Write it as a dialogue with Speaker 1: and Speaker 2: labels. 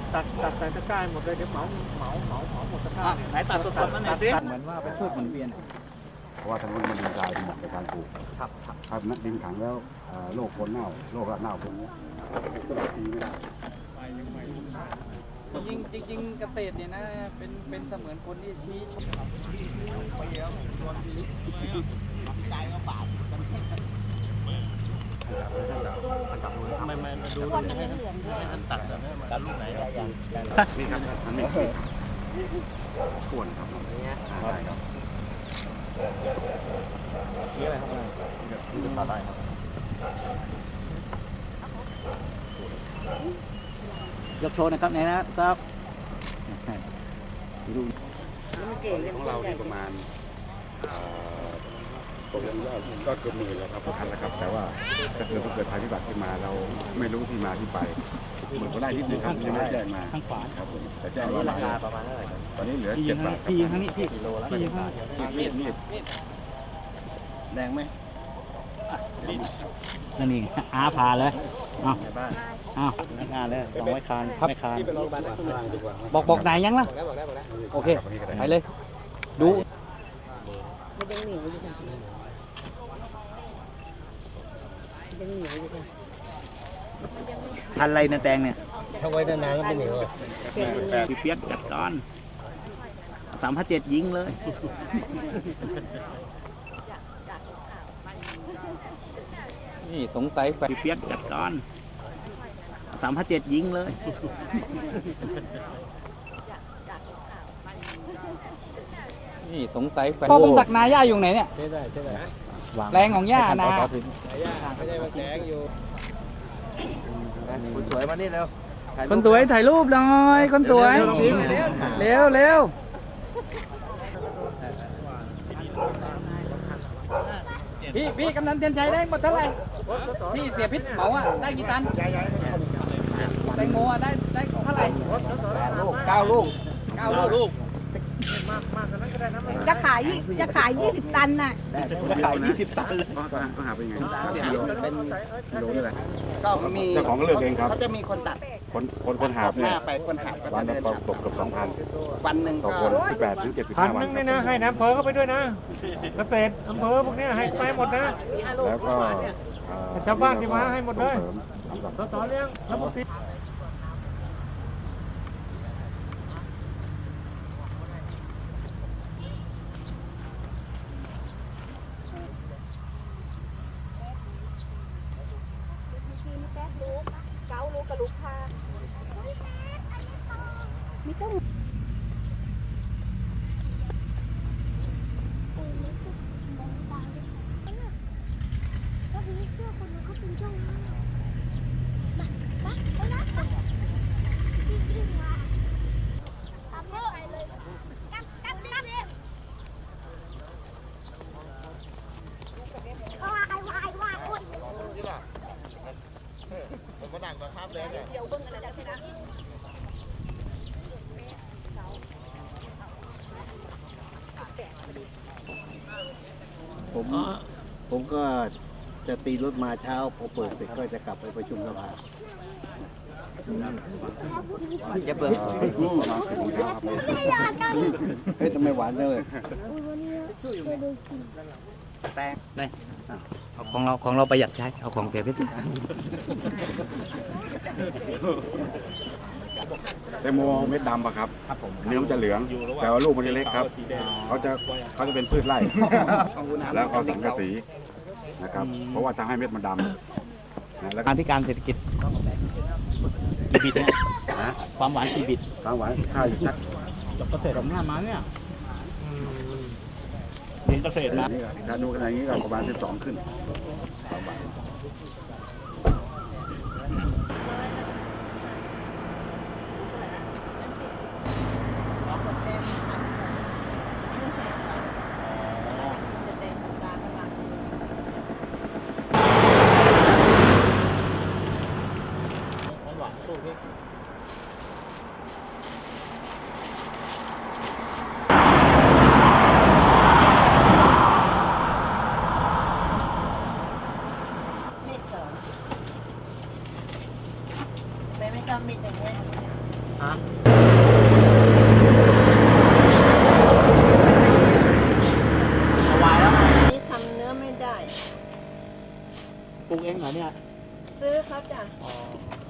Speaker 1: ตัดใส่ตะกร้าหมดเลยเดี๋ยวเหมาหมดตะกร้าไหนตัดสดๆมาหน่อยสิเหมือนว่าเป็นพืชหมุนเวียน
Speaker 2: เพราะว่าทางนู้นมันดินทรายเหมาะในการปลูก
Speaker 1: ครับ
Speaker 2: ถ้าดินขังแล้วโรคคนเน่าโรครากเน่าพวกนี้ก็แบบนี้ไม่ได้
Speaker 1: จริงเกษตรเนี่ยนะเป็นเสมือนคนที่ชี้ชมไปเยอะตัวนี้ใจก็บาดไม่มาดูให้ท่านตัดตัดลูกไหน
Speaker 2: นี่ครับอันนี้ขวนครับได้ครับ
Speaker 1: นี่อะไรครับนี่จะตัดได้ครับยกโชว์นะครับไหนนะครับดู
Speaker 2: ของเราที่ประมาณตกลงก็เกือบหมื่นแล้วครับพันแล้วครับแต่ว่าถ้าเกิดภัยพิบัติขึ้นมาเราไม่รู้ที่มาที่ไปเหมือนก็ได้ที่หนึ่งครับยังไม่แจ้งมา
Speaker 1: ข้างขวา
Speaker 2: ครับผมแต่แจ้งว่าราคาประมาณเท่าไหร่ตอนนี้เหลือ7 บาท
Speaker 1: พี่ยิงทั้งนี้พี่กิโลละพี่ยิง
Speaker 2: มีดแรงไหม
Speaker 1: นั่นเองพาเลยไม่คานเลย2ไม่คานครับไม่คานบอกไหนยังล่ะโอเคไปเลยดูพันอะไรนะแตงเนี่ย
Speaker 3: ถ้าไว้นานๆก็ไม่เหนียว
Speaker 1: พี่เปียกจัดก่อน3,700ยิงเลยนี่สงสัยพี่เปียกจัดก่อน3,700ยิงเลยนี่สงสัยพ่อผมสักนาย่าอยู่ไหนเนี่ย
Speaker 3: ใช่ได้
Speaker 1: แรงของย่านะ
Speaker 3: ไม่ใช่ว่าแสงอยู่คนสวยมานี่เร็ว
Speaker 1: คนสวยถ่ายรูปหน่อยคนสวยเร็วพี่กำนันเทียนชัยได้หมดเท่าไหร่พี่เสียพิษเหมาได้กี่ตันแตงโมได้เท่าไหร่
Speaker 3: 9 ลูก
Speaker 4: จะขาย20 ตันน่ะ
Speaker 1: ขาย20 ตันเลย
Speaker 2: ก็หาเป็นไงเป็นกิโลนี่แหละ
Speaker 3: ก็มี
Speaker 2: เจ้าของก็เลือกเองครับ
Speaker 3: เขาจะมีคนตัด
Speaker 2: คนหาบเนี่ย
Speaker 3: ไปคนหาบก็
Speaker 2: วัน
Speaker 3: จะ
Speaker 2: ละตกเกือบ 2,000
Speaker 3: วันหนึ่ง
Speaker 2: ต่อคน18 ถึง 75 วัน
Speaker 5: นี่นะให้น้ำเพอเข้าไปด้วยนะเกษตรอำเภอพวกนี้ให้ไปหมดนะ
Speaker 2: แล้วก็
Speaker 5: ชาวบ้านที่มาให้หมดเลยสสเลี้ยงระบบปิด
Speaker 4: ไม่ต้องก็มีเสื้อคนนึงเขาเป็นเจ้ามาไปนะพี่มาทำให้ไปเลยกัดเลยวายคน
Speaker 3: นี่ล่ะผมก็ดังกว่าครับเลยเนี่ย
Speaker 4: เดี๋ยวเบิ้งอะไรได้ไหมนะ
Speaker 3: ผมก็จะตีรถมาเช้าพอเปิดเสร็จก็จะกลับไปประชุมสภา
Speaker 1: จะเปิด
Speaker 2: ประมาณ10 โมงเช้าครับ
Speaker 3: เฮ้ยทำไมหวานจังเลย
Speaker 1: แตงนี่ของเราประหยัดใช้เอาของเสียพิษ
Speaker 2: แตงโมเม็ดดำป่ะครับเนื้อมันจะเหลืองแต่ว่าลูกมันจะเล็กครับเขาจะเป็นพืชไร่แล้วเขาสังกะสีนะครับเพราะว่าทำให้เม็ดมันดำแล้ว
Speaker 1: การที่การเศรษฐกิจกี่บิตเนี่ยความหวานกี่บิต
Speaker 2: ความหวานค่าอยู่ชัก
Speaker 1: เกษตรผมหน้ามาเนี่ยเรียนเกษตรนะ
Speaker 2: ถ้าดูขนาดนี้ก็ประมาณ12ขึ้น
Speaker 4: ไม่ต้องมีแต่เงี้ย
Speaker 1: ฮะเอาไว้แล้ว
Speaker 6: นี่ทำเนื้อไม่ได้
Speaker 1: ปลูกเองเหรอเนี่ย
Speaker 6: ซื้อเขาจ้ะ
Speaker 1: อ๋อ